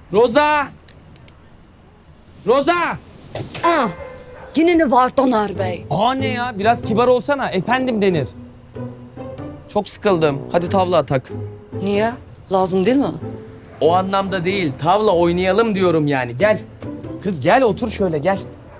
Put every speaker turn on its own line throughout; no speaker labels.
Roza! Roza!
Ah, yine ne var Taner Bey?
Aa ne ya? Biraz kibar olsana. Efendim denir. Çok sıkıldım. Hadi tavla atak.
Niye? Lazım değil mi?
O anlamda değil. Tavla oynayalım diyorum yani. Gel. Kız gel otur şöyle gel.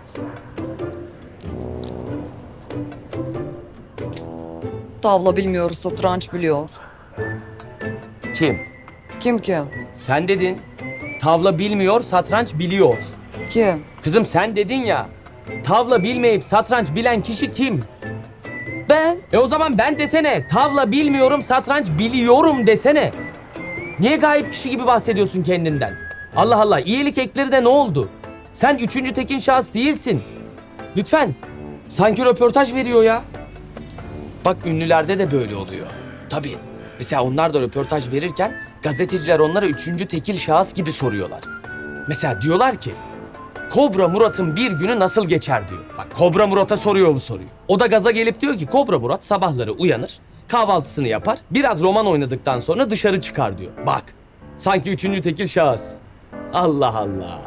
Tavla bilmiyor, satranç biliyor.
Kim?
Kim?
Sen dedin. Tavla bilmiyor, satranç biliyor.
Kim?
Kızım sen dedin ya. Tavla bilmeyip satranç bilen kişi kim?
Ben.
O zaman ben desene. Tavla bilmiyorum, satranç biliyorum desene. Niye gayip kişi gibi bahsediyorsun kendinden? Allah Allah, iyilik ekleri de ne oldu? Sen üçüncü tekin şahıs değilsin. Lütfen. Sanki röportaj veriyor ya. Bak ünlülerde de böyle oluyor. Tabii. Mesela onlar da röportaj verirken gazeteciler onlara üçüncü tekil şahıs gibi soruyorlar. Mesela diyorlar ki Kobra Murat'ın bir günü nasıl geçer diyor. Bak Kobra Murat'a soruyor bu soruyu. O da gaza gelip diyor ki Kobra Murat sabahları uyanır, kahvaltısını yapar, biraz roman oynadıktan sonra dışarı çıkar diyor. Bak sanki üçüncü tekil şahıs. Allah Allah.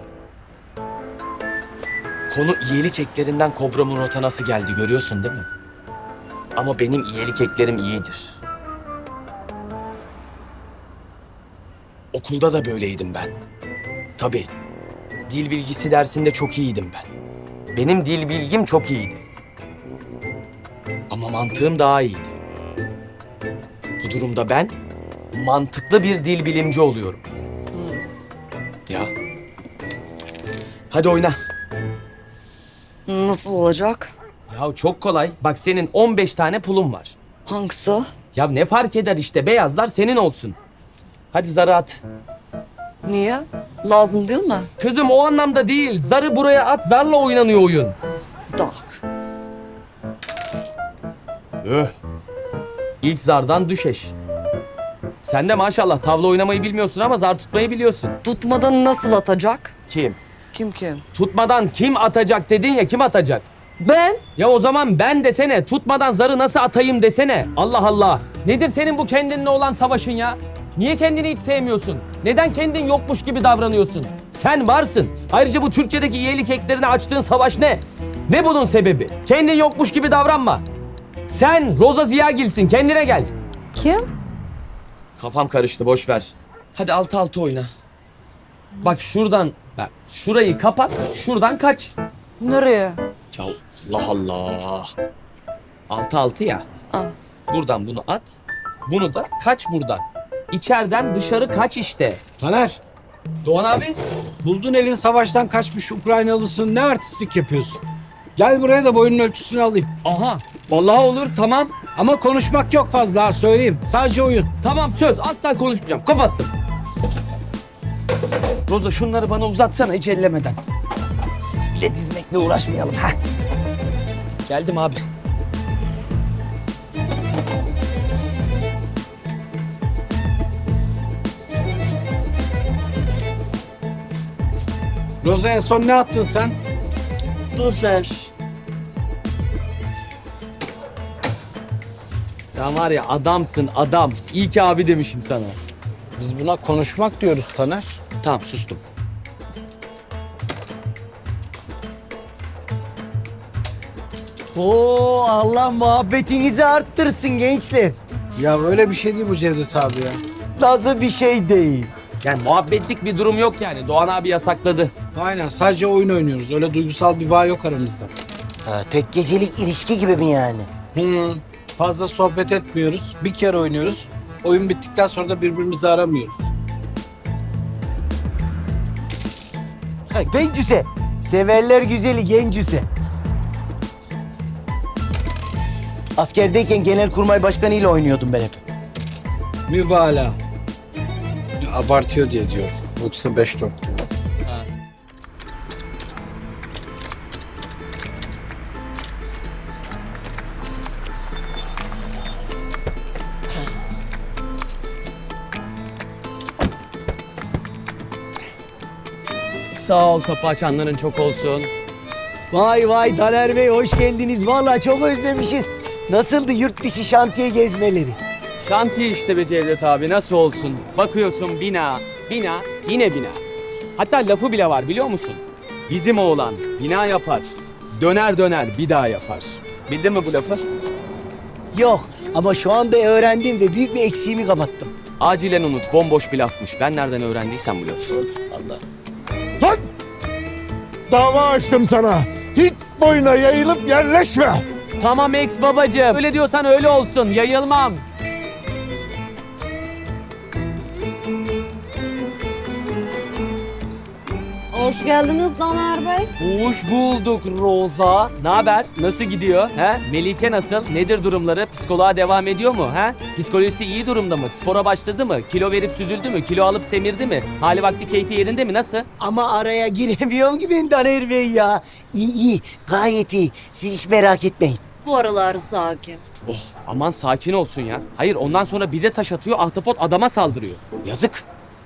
Konu iyilik eklerinden Kobra Murat'a nasıl geldi görüyorsun değil mi? Ama benim iyilik eklerim iyidir. Okulda da böyleydim ben. Tabii. Dil bilgisi dersinde çok iyiydim ben. Benim dil bilgim çok iyiydi. Ama mantığım daha iyiydi. Bu durumda ben mantıklı bir dil bilimci oluyorum. Ya. Hadi oyna.
Nasıl olacak?
Ya çok kolay. Bak senin 15 tane pulun var.
Hangisi?
Ya ne fark eder işte beyazlar senin olsun. Hadi zarı at.
Niye? Lazım değil mi?
Kızım o anlamda değil. Zarı buraya at, zarla oynanıyor oyun.
Tak.
İlk zardan düşeş. Sen de maşallah tavla oynamayı bilmiyorsun ama zar tutmayı biliyorsun.
Tutmadan nasıl atacak?
Kim?
Kim?
Tutmadan kim atacak dedin ya, kim atacak?
Ben.
Ya o zaman ben desene, tutmadan zarı nasıl atayım desene. Allah Allah. Nedir senin bu kendinle olan savaşın ya? Niye kendini hiç sevmiyorsun? Neden kendin yokmuş gibi davranıyorsun? Sen varsın. Ayrıca bu Türkçedeki iyilik eklerine açtığın savaş ne? Ne bunun sebebi? Kendin yokmuş gibi davranma. Sen Roza Ziyagil'sin, kendine gel.
Kim?
Kafam karıştı, boş ver. Hadi 6-6 oyna. Bak şuradan, bak şurayı kapat, şuradan kaç.
Nereye?
Ya Allah Allah. 6-6 ya.
Ah.
Buradan bunu at, bunu da kaç buradan. İçeriden dışarı kaç işte.
Taner,
Doğan abi.
buldun elin savaştan kaçmış Ukraynalısın. Ne artistlik yapıyorsun? Gel buraya da boyunun ölçüsünü alayım.
Aha, vallahi olur, tamam.
Ama konuşmak yok fazla ha, söyleyeyim. Sadece oyun.
Tamam söz, asla konuşmayacağım. Kapattım. Roza şunları bana uzatsana hiç ellemeden. Bir de dizmekle uğraşmayalım. Heh. Geldim abi.
Roza en son ne attın sen?
Dur ver. Sen var ya adamsın adam. İyi ki abi demişim sana.
Biz buna konuşmak diyoruz Taner.
Tamam sustum.
Oo, Allah muhabbetinizi arttırsın gençler.
Ya öyle bir şey değil bu Cevdet abi ya.
Nasıl bir şey değil.
Yani muhabbetlik bir durum yok yani. Doğan abi yasakladı.
Aynen, sadece oyun oynuyoruz. Öyle duygusal bir bağ yok aramızda.
Ha, tek gecelik ilişki gibi mi yani?
Fazla sohbet etmiyoruz. Bir kere oynuyoruz. Oyun bittikten sonra da birbirimizi aramıyoruz.
Ha, gencüse. Severler güzeli gencüse. Askerdeyken Genelkurmay Başkanı ile oynuyordum ben hep.
Mübalağa. Ya, abartıyor diye diyor. Yoksa 5-4 diyor.
Sağ ol, kapı açanların çok olsun.
Vay vay Taner Bey, hoş geldiniz. Vallahi çok özlemişiz. Nasıldı yurt dışı şantiye gezmeleri?
Şantiye işte be Cevdet abi, nasıl olsun? Bakıyorsun bina, bina, yine bina. Hatta lafı bile var biliyor musun? Bizim oğlan bina yapar, döner döner bir daha yapar. Bildin mi bu lafı?
Yok ama şu anda öğrendim ve büyük bir eksiğimi kapattım.
Acilen unut, bomboş bir lafmış. Ben nereden öğrendiysem bu lafı. Allah.
Lan! Dava açtım sana. Hiç boyuna yayılıp yerleşme.
Tamam ex babacığım. Öyle diyorsan öyle olsun. Yayılmam.
Hoş geldiniz Taner Bey.
Hoş bulduk Roza. Ne haber? Nasıl gidiyor? He? Melike nasıl? Nedir durumları? Psikoloğa devam ediyor mu? He? Psikolojisi iyi durumda mı? Spora başladı mı? Kilo verip süzüldü mü? Kilo alıp semirdi mi? Hali vakti keyfi yerinde mi? Nasıl?
Ama araya giremiyorum ki ben Taner Bey ya. İyi iyi gayet iyi. Siz hiç merak etmeyin.
Bu aralar sakin.
Oh, aman sakin olsun ya. Hayır ondan sonra bize taş atıyor, ahtapot adama saldırıyor. Yazık.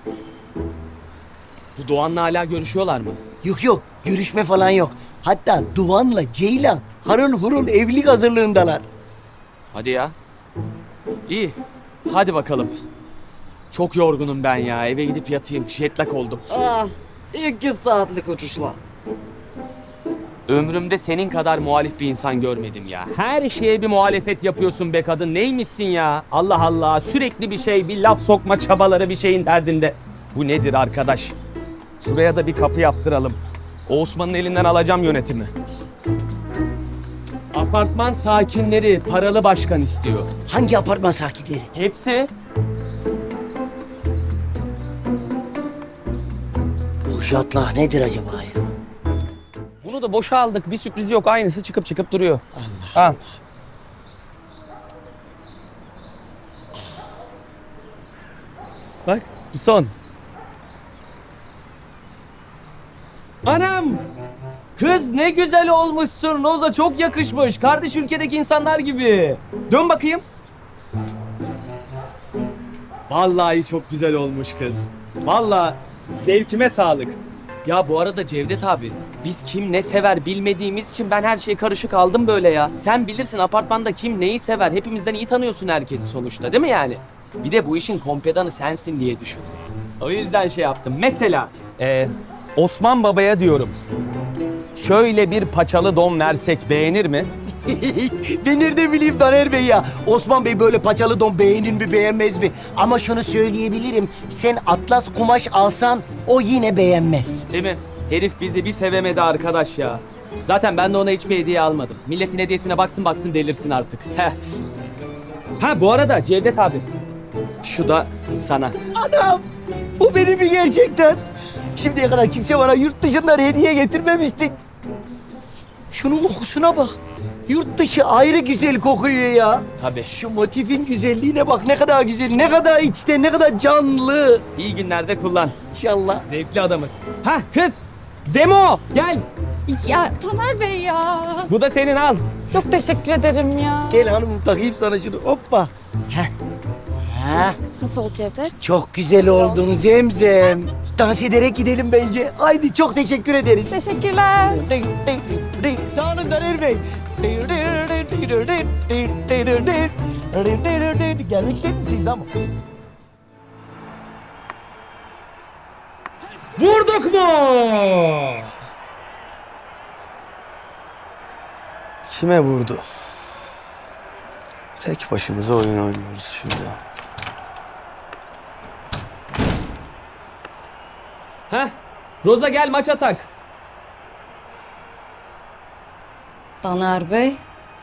Bu Doğan'la hala görüşüyorlar mı?
Yok yok görüşme falan yok. Hatta Doğan'la Ceylan harıl hurul evlilik hazırlığındalar.
Hadi ya. İyi. Hadi bakalım. Çok yorgunum ben ya. Eve gidip yatayım. Jetlag oldum.
Ah, 2 saatlik uçuşla.
Ömrümde senin kadar muhalif bir insan görmedim ya. Her şeye bir muhalefet yapıyorsun be kadın. Neymişsin ya? Allah Allah. Sürekli bir şey, bir laf sokma çabaları bir şeyin derdinde. Bu nedir arkadaş? Şuraya da bir kapı yaptıralım. O Osman'ın elinden alacağım yönetimi. Apartman sakinleri paralı başkan istiyor.
Hangi apartman sakinleri?
Hepsi.
Bu jatlah nedir acaba ya?
Bunu da boşa aldık. Bir sürpriz yok. Aynısı çıkıp çıkıp duruyor. Allah. Bak son. Anam! Kız ne güzel olmuşsun. Roza çok yakışmış. Kardeş ülkedeki insanlar gibi. Dön bakayım. Vallahi çok güzel olmuş kız. Vallahi zevkime sağlık. Ya bu arada Cevdet abi, biz kim ne sever bilmediğimiz için ben her şeye karışık aldım böyle ya. Sen bilirsin apartmanda kim neyi sever. Hepimizden iyi tanıyorsun herkesi sonuçta değil mi yani? Bir de bu işin kompedanı sensin diye düşündüm. O yüzden şey yaptım. Mesela Osman Baba'ya diyorum. Şöyle bir paçalı don versek beğenir mi?
Ben nereden bileyim Taner Bey ya? Osman Bey böyle paçalı don beğenir mi beğenmez mi? Ama şunu söyleyebilirim. Sen atlas kumaş alsan o yine beğenmez.
Değil mi? Herif bizi bir sevemedi arkadaş ya. Zaten ben de ona hiçbir hediye almadım. Milletin hediyesine baksın baksın delirsin artık. Heh. Ha bu arada Cevdet abi. Şu da sana.
Anam! Bu benim mi gerçekten? Şimdiye kadar kimse bana yurt dışından hediye getirmemişti. Şunun kokusuna bak. Yurt dışı ayrı güzel kokuyor ya.
Tabii.
Şu motifin güzelliğine bak ne kadar güzel, ne kadar içten, ne kadar canlı.
İyi günlerde kullan.
İnşallah.
Zevkli adamız. Ha kız. Zemo gel.
Ya Taner Bey ya.
Bu da senin al.
Çok teşekkür ederim ya.
Gel hanımım takayım sana şunu. Hoppa. Heh. Ha,
Nasıl oldu Cevdet?
çok güzel oldun Zemzem. Dans ederek gidelim bence. Haydi çok teşekkür ederiz.
Teşekkürler.
Sağ olun Taner Bey. Gelmek ister misiniz ama?
Vurduk mu?
Kime vurdu? Tek başımıza oyun oynuyoruz şurada.
Heh. Roza gel maç atak.
Taner Bey.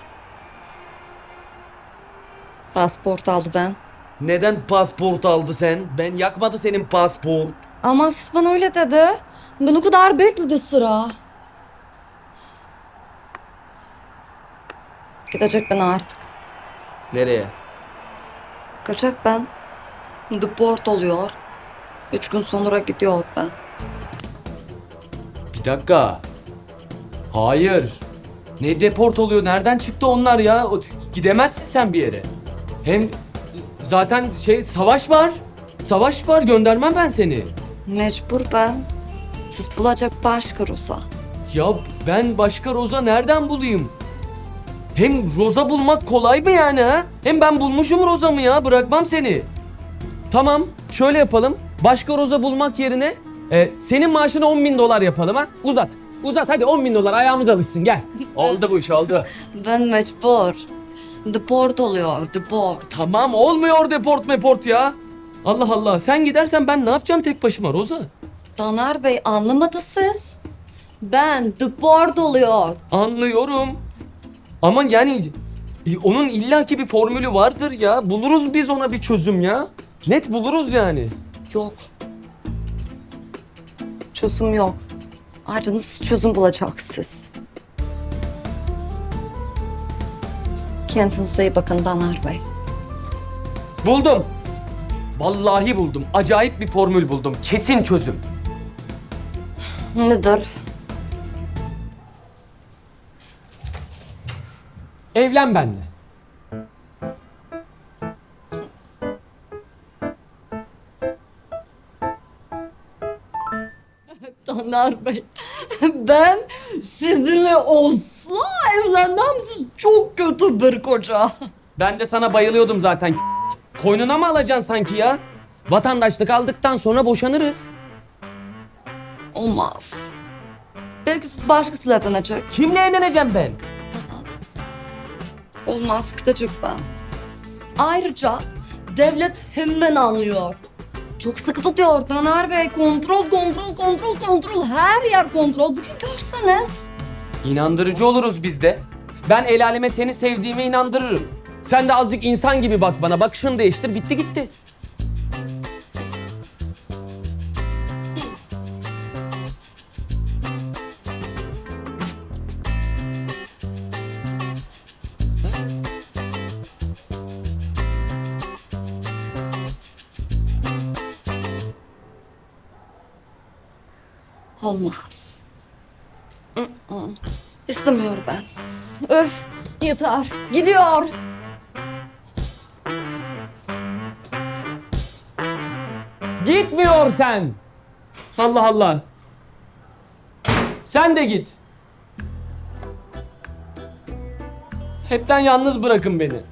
Pasport aldı ben.
Neden pasport aldı sen? Ben yakmadı senin pasport.
Ama siz bana öyle dedi. Ben o kadar bekledi sıra. Gidecek ben artık.
Nereye?
Kaçak ben. Deport oluyor. 3 gün sonra gidiyor ben.
Bir dakika. Hayır. Ne deport oluyor? Nereden çıktı onlar ya? Gidemezsin sen bir yere. Hem zaten savaş var. Savaş var. Göndermem ben seni.
Mecbur ben. Siz bulacak başka Rosa.
Ya ben başka Roza nereden bulayım? Hem Roza bulmak kolay mı yani ha? Hem ben bulmuşum Roza'mı ya. Bırakmam seni. Tamam. Şöyle yapalım. Başka Roza bulmak yerine Senin maaşını 10.000 dolar yapalım ha. Uzat. Uzat hadi 10.000 dolar ayağımız alışsın gel. Oldu bu iş oldu.
Ben mecbur. Deport oluyor, deport.
Tamam olmuyor deport ya. Allah Allah sen gidersen ben ne yapacağım tek başıma Roza?
Taner Bey anlamadı siz. Ben deport oluyor.
Anlıyorum. Ama yani onun illaki bir formülü vardır ya. Buluruz biz ona bir çözüm ya. Net buluruz yani.
Yok. Çözüm yok. Ayrıca nasıl çözüm bulacaksınız? Kendinize iyi bakın Taner Bey.
Buldum. Vallahi buldum. Acayip bir formül buldum. Kesin çözüm.
Nedir?
Evlen benimle.
Taner Bey, ben sizinle asla evlenmem. Siz çok kötü bir koca.
Ben de sana bayılıyordum zaten. Koynuna mı alacaksın sanki ya? Vatandaşlık aldıktan sonra boşanırız.
Olmaz. Belki siz başkasıyla evlenecek.
Kimle evleneceğim ben?
Olmaz, gidecek ben. Ayrıca devlet hemen anlıyor. Çok sıkı tutuyor Taner Bey. Kontrol. Her yer kontrol. Bugün görseniz.
İnandırıcı oluruz biz de. Ben el aleme seni sevdiğime inandırırım. Sen de azıcık insan gibi bak bana. Bakışını değiştir. Bitti gitti.
Olmaz. İstemiyorum ben. Öf, yeter. Gidiyor.
Gitmiyor sen. Allah Allah. Sen de git. Hepten yalnız bırakın beni.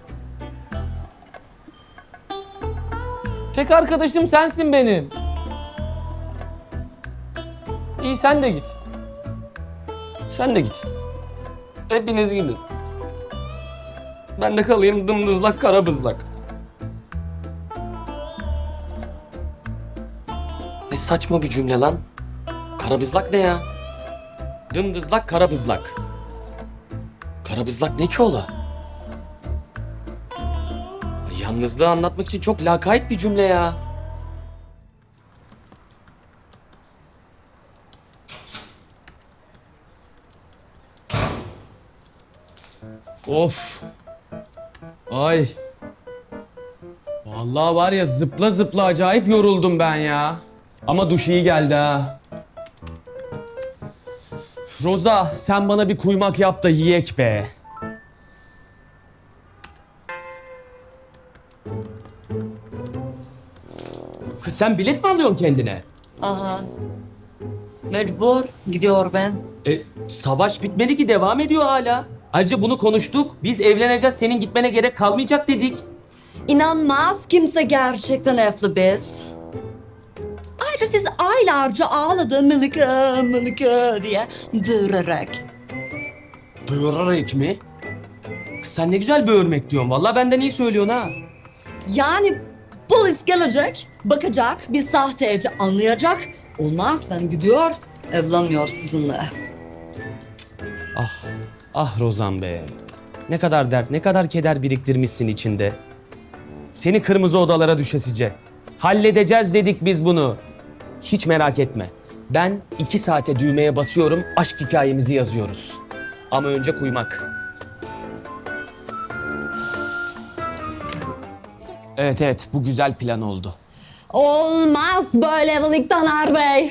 Tek arkadaşım sensin benim. İyi sen de git. Sen de git. Hepiniz gidin. Ben de kalayım dımdızlak karabızlak. Ne saçma bir cümle lan. Karabızlak ne ya? Dımdızlak karabızlak. Karabızlak ne ki ola? Yalnızlığı anlatmak için çok lakayt bir cümle ya. Of. Ay. Vallahi var ya zıpla zıpla acayip yoruldum ben ya. Ama duş iyi geldi ha. Roza sen bana bir kuymak yap da yiyek be. Kız sen bilet mi alıyorsun kendine?
Aha. Mecbur. Gidiyor ben.
Savaş bitmedi ki devam ediyor hala. Ayrıca bunu konuştuk. Biz evleneceğiz senin gitmene gerek kalmayacak dedik.
İnanmaz kimse gerçekten evli biz. Ayrıca siz aylarca ağladı Melike diye bağırarak.
Böğürerek mi? Kız sen ne güzel böğürmek diyorsun. Vallahi benden iyi söylüyorsun ha.
Yani polis gelecek, bakacak, bir sahte evli anlayacak. Olmaz ben gidiyor, evlenmiyor sizinle.
Ah Rozan be. Ne kadar dert, ne kadar keder biriktirmişsin içinde. Seni kırmızı odalara düşesice. Halledeceğiz dedik biz bunu. Hiç merak etme. Ben 2 saate düğmeye basıyorum, aşk hikayemizi yazıyoruz. Ama önce kuymak. Evet, bu güzel plan oldu.
Olmaz böyle evlilik Taner Bey.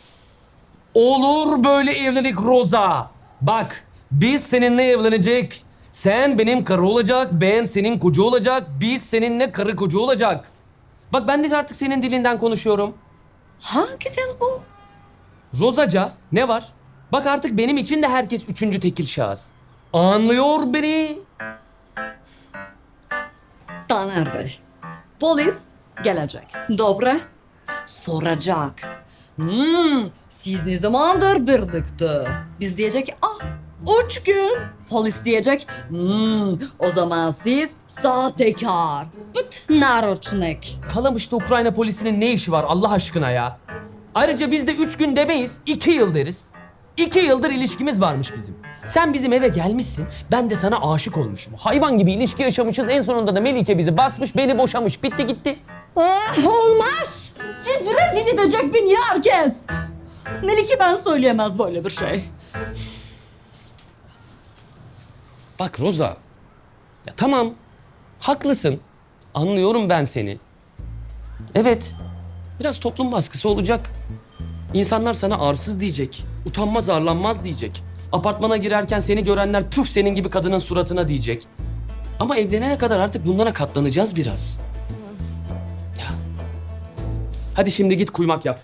Olur böyle evlilik Roza. Bak, biz seninle evlenecek. Sen benim karı olacak, ben senin koca olacak. Biz seninle karı koca olacak. Bak ben de artık senin dilinden konuşuyorum.
Hangi dil bu?
Rozaca ne var? Bak artık benim için de herkes üçüncü tekil şahıs. Anlıyor beni.
Taner Bey, polis gelecek. Dobra soracak. Siz ne zamandır birlikte? Biz diyecek ah 3 gün. Polis diyecek o zaman siz sahtekar. Bıt naroçnik.
Kalamış'ta Ukrayna polisinin ne işi var Allah aşkına ya? Ayrıca biz de 3 gün demeyiz, 2 yıl deriz. 2 yıldır ilişkimiz varmış bizim. Sen bizim eve gelmişsin, ben de sana aşık olmuşum. Hayvan gibi ilişki yaşamışız, en sonunda da Melike bizi basmış, beni boşamış, bitti gitti.
Olmaz. Siz rezil edecek beni herkes. Melike ben söyleyemez böyle bir şey.
Bak Roza, ya tamam, haklısın. Anlıyorum ben seni. Evet, biraz toplum baskısı olacak. İnsanlar sana arsız diyecek, utanmaz arlanmaz diyecek. Apartmana girerken seni görenler püf senin gibi kadının suratına diyecek. Ama evlenene kadar artık bunlara katlanacağız biraz. Ya. Hadi şimdi git kuymak yap.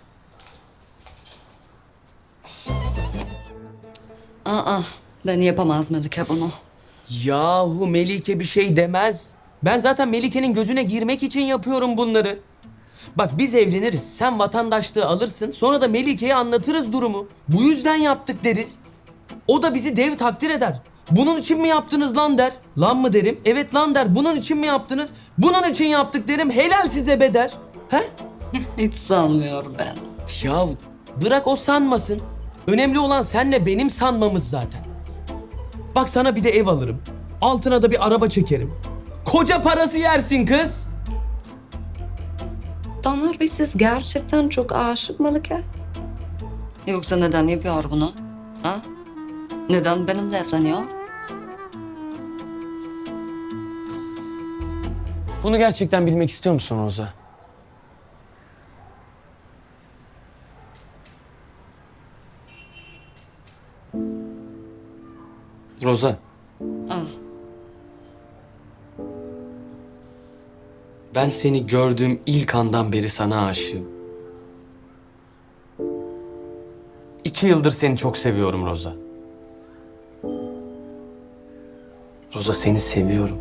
Ben yapamaz Melike bunu.
Yahu Melike bir şey demez. Ben zaten Melike'nin gözüne girmek için yapıyorum bunları. Bak biz evleniriz, sen vatandaşlığı alırsın, sonra da Melike'ye anlatırız durumu. Bu yüzden yaptık deriz. O da bizi dev takdir eder. Bunun için mi yaptınız lan der. Lan mı derim, evet lan der. Bunun için mi yaptınız? Bunun için yaptık derim, helal size be der. He?
Hiç sanmıyorum ben.
Ya bırak o sanmasın. Önemli olan senle benim sanmamız zaten. Bak sana bir de ev alırım. Altına da bir araba çekerim. Koca parası yersin kız.
Taner Bey siz gerçekten çok aşık Melike. Yoksa neden yapıyor bunu? Ha? Neden benimle evleniyor?
Bunu gerçekten bilmek istiyor musun Roza? Roza.
Al.
Ben seni gördüğüm ilk andan beri sana aşığım. 2 yıldır seni çok seviyorum Roza. Roza seni seviyorum.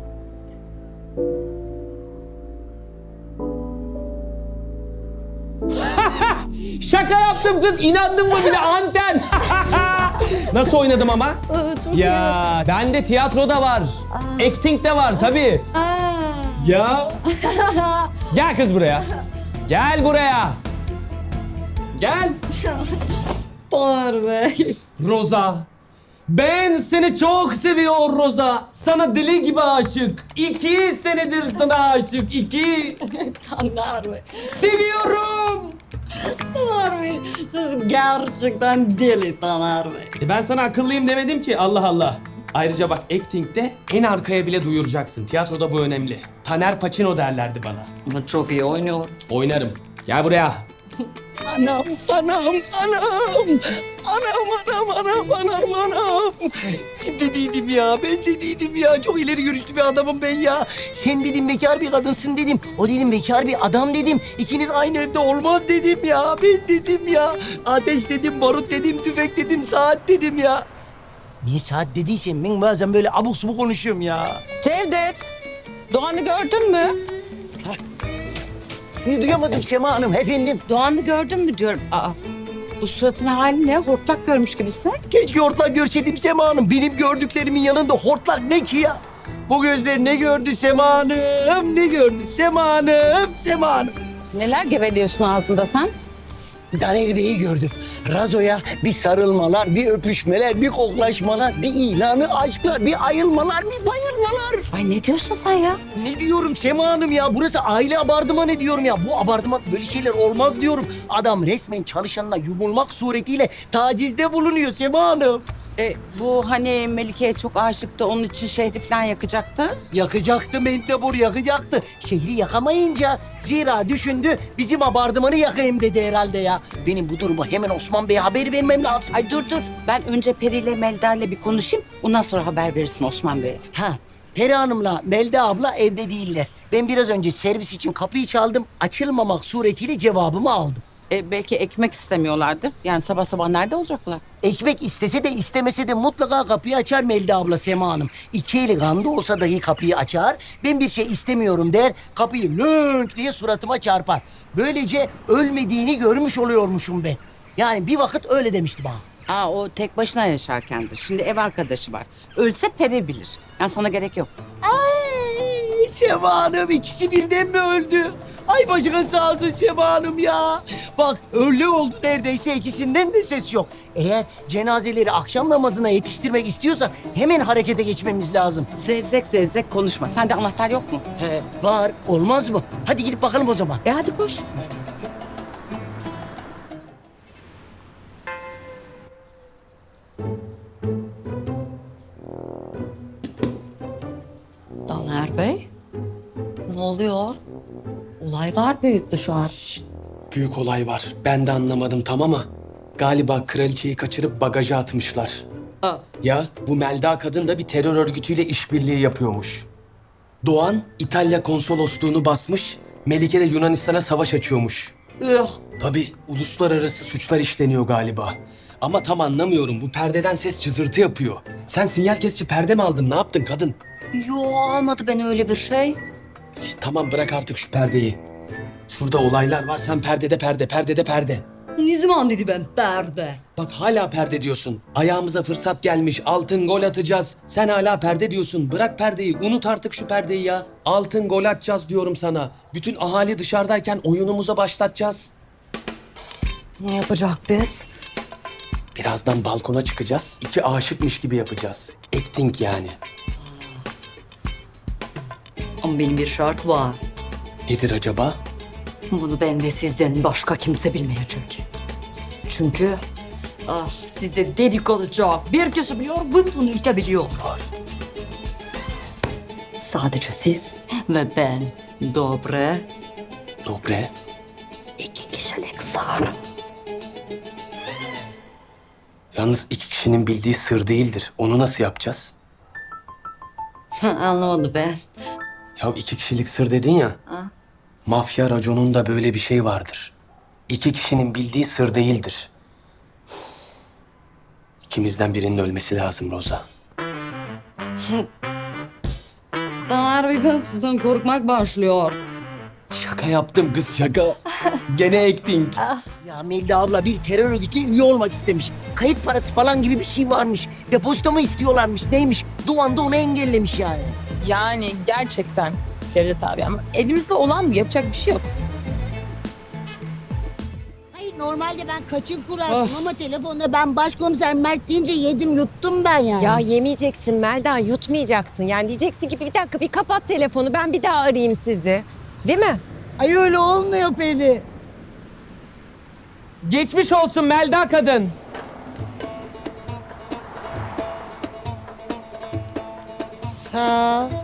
Şaka yaptım kız. İnandın mı bile anten? Nasıl oynadım ama? Ya ben de tiyatroda var. Acting de var tabii. Ya. Gel kız buraya. Gel buraya. Gel.
Taner Bey.
Roza. Ben seni çok seviyorum Roza. Sana deli gibi aşık. 2 senedir sana aşık. 2.
Taner Bey.
Seviyorum.
Taner Bey. Siz gerçekten deli Taner Bey.
Ben sana akıllıyım demedim ki. Allah Allah. Ayrıca bak acting'de en arkaya bile duyuracaksın. Tiyatroda bu önemli. Taner Pacino derlerdi bana.
Ama çok iyi oynuyoruz.
Oynarım. Gel buraya.
Anam, anam, anam. Anam. Ben dediydim ya, Çok ileri görüşlü bir adamım ben ya. Sen dedim bekar bir kadınsın dedim. O dedim bekar bir adam dedim. İkiniz aynı evde olmaz dedim ya. Ben dedim ya. Ateş dedim, barut dedim, tüfek dedim, saat dedim ya. Niye saat dediysem ben bazen böyle abuk subuk konuşuyorum ya.
Cevdet, Doğan'ı gördün mü?
Seni duyamadım Sema Hanım efendim.
Doğan'ı gördün mü diyorum. Aa, bu suratın hali ne? Hortlak görmüş gibisin.
Keşke hortlak görseydim Sema Hanım. Benim gördüklerimin yanında hortlak ne ki ya? Bu gözler ne gördü Sema Hanım? Ne gördü Sema Hanım?
Neler geveliyorsun ağzında sen?
Taner Bey'i gördüm. Razo'ya bir sarılmalar, bir öpüşmeler, bir koklaşmalar, bir ilanı aşklar, bir ayılmalar, bir bayılmalar.
Ay ne diyorsun sen ya?
Ne diyorum Sema Hanım ya? Burası aile abartımanı diyorum ya. Bu abartıman böyle şeyler olmaz diyorum. Adam resmen çalışanına yumulmak suretiyle tacizde bulunuyor Sema Hanım.
Bu hani Melike'ye çok aşıktı, onun için şehri falan yakacaktı.
Yakacaktı Mendebur yakacaktı. Şehri yakamayınca zira düşündü bizim abartımanı yakayım dedi herhalde ya. Benim bu durumu hemen Osman Bey'e haber vermem lazım.
Ay dur. Ben önce Peri ile Melda ile bir konuşayım. Ondan sonra haber verirsin Osman Bey'e.
Ha, Peri Hanım'la Melda abla evde değiller. Ben biraz önce servis için kapıyı çaldım. Açılmamak suretiyle cevabımı aldım.
Belki ekmek istemiyorlardır. Yani sabah sabah nerede olacaklar?
Ekmek istese de istemese de mutlaka kapıyı açar Melda abla Sema Hanım. İki eli kanda olsa dahi kapıyı açar. Ben bir şey istemiyorum der. Kapıyı lönk diye suratıma çarpar. Böylece ölmediğini görmüş oluyormuşum ben. Yani bir vakit öyle demişti bana.
O tek başına yaşarkendir. Şimdi ev arkadaşı var. Ölse peri bilir. Yani sana gerek yok.
Ay Sema Hanım ikisi birden mi öldü? Ay başına sağ olsun Sema Hanım ya. Bak öyle oldu neredeyse ikisinden de ses yok. Eğer cenazeleri akşam namazına yetiştirmek istiyorsak hemen harekete geçmemiz lazım.
Zevzek zevzek konuşma. Sende anahtar yok mu?
He var olmaz mı? Hadi gidip bakalım o zaman.
Hadi koş.
Taner Bey, ne oluyor? Olaylar büyük dışarı.
Büyük olay var. Ben de anlamadım tamam mı? Galiba kraliçeyi kaçırıp bagaja atmışlar. Ya bu Melda kadın da bir terör örgütüyle işbirliği yapıyormuş. Doğan İtalya konsolosluğunu basmış, Melike de Yunanistan'a savaş açıyormuş. Tabii uluslararası suçlar işleniyor galiba. Ama tam anlamıyorum. Bu perdeden ses cızırtı yapıyor. Sen sinyal kesici perde mi aldın? Ne yaptın kadın?
Yo almadı beni öyle bir şey.
Tamam bırak artık şu perdeyi. Şurada olaylar var. Sen perdede perde, perdede perde.
Ne zaman dedi ben perde?
Bak hala perde diyorsun. Ayağımıza fırsat gelmiş. Altın gol atacağız. Sen hala perde diyorsun. Bırak perdeyi. Unut artık şu perdeyi ya. Altın gol atacağız diyorum sana. Bütün ahali dışarıdayken oyunumuza başlatacağız.
Ne yapacak biz?
Birazdan balkona çıkacağız. İki aşıkmış gibi yapacağız. Acting yani.
Ama benim bir şart var.
Nedir acaba?
Bunu ben ve sizden başka kimse bilmeyecek. Çünkü sizde dedikoducak bir kişi biliyor, bütün ülke biliyor. Sadece siz ve ben. Dobre.
Dobre.
2 kişilik sar.
Yalnız iki kişinin bildiği sır değildir. Onu nasıl yapacağız?
Anlamadım ben.
Ya iki kişilik sır dedin ya. Mafya raconunda böyle bir şey vardır. İki kişinin bildiği sır değildir. İkimizden birinin ölmesi lazım Roza.
Taner Bey ben sizden korkmak başlıyor.
Şaka yaptım kız şaka. Gene acting.
Ya Melda abla bir terör örgütüne üye olmak istemiş. Kayıt parası falan gibi bir şey varmış. Depozito mu istiyorlarmış neymiş? Doğan da onu engellemiş yani.
Yani gerçekten Cevdet abi ama elimizde olan bu yapacak bir şey yok.
Hayır normalde ben kaçın kurarsın ama telefonda ben başkomiser Mert deyince yedim yuttum ben yani.
Ya yemeyeceksin Melda, yutmayacaksın. Yani diyeceksin ki bir dakika bir kapat telefonu, ben bir daha arayayım sizi. Değil mi?
Ay öyle olmuyor Peri.
Geçmiş olsun Melda kadın.
Sağ ol.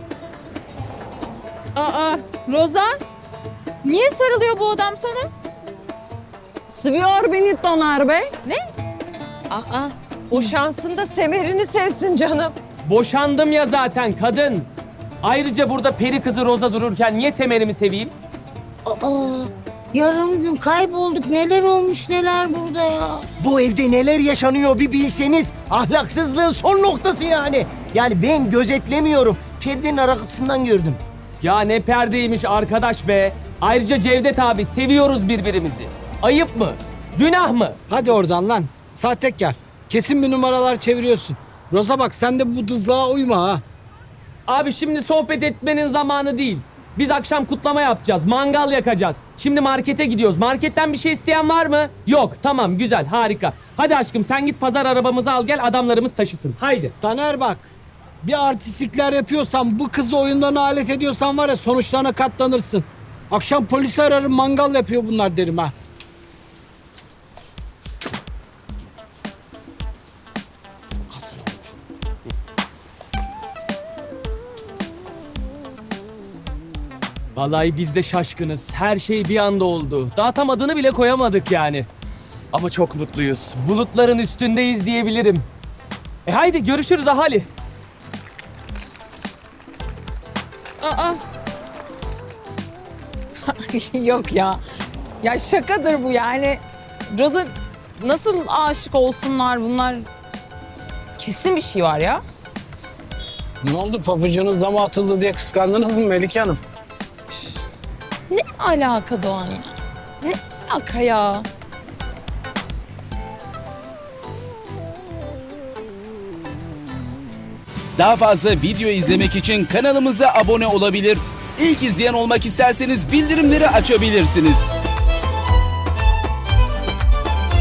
Aa, Roza? Niye sarılıyor bu adam sana?
Seviyor beni Taner Bey.
Aa, boşansın da semerini sevsin canım.
Boşandım ya zaten kadın. Ayrıca burada peri kızı Roza dururken niye Semer'imi seveyim?
Aa, yarım gün kaybolduk neler olmuş neler burada ya.
Bu evde neler yaşanıyor bir bilseniz. Ahlaksızlığın son noktası yani. Yani ben gözetlemiyorum. Perdenin arkasından gördüm.
Ya ne perdeymiş arkadaş be. Ayrıca Cevdet abi seviyoruz birbirimizi. Ayıp mı? Günah mı?
Hadi oradan lan. Sahtekar. Kesin bir numaralar çeviriyorsun. Roza bak sen de bu dızlığa uyma ha.
Abi şimdi sohbet etmenin zamanı değil. Biz akşam kutlama yapacağız. Mangal yakacağız. Şimdi markete gidiyoruz. Marketten bir şey isteyen var mı? Yok. Tamam güzel harika. Hadi aşkım sen git pazar arabamızı al gel adamlarımız taşısın. Haydi.
Taner bak. Bir artistlikler yapıyorsan, bu kızı oyundan alet ediyorsan var ya sonuçlarına katlanırsın. Akşam polisi ararım, mangal yapıyor bunlar derim ha.
Vallahi biz de şaşkınız. Her şey bir anda oldu. Daha tam adını bile koyamadık yani. Ama çok mutluyuz. Bulutların üstündeyiz diyebilirim. Haydi görüşürüz ahali.
Aa. Yok ya.
Ya şakadır bu yani. Rosa nasıl aşık olsunlar bunlar? Kesin bir şey var ya.
Ne oldu, pabucunuz dama atıldı diye kıskandınız mı Melike Hanım?
Ne alaka Doğan ya? Ne alaka ya?
Daha fazla video izlemek için kanalımıza abone olabilir. İlk izleyen olmak isterseniz bildirimleri açabilirsiniz.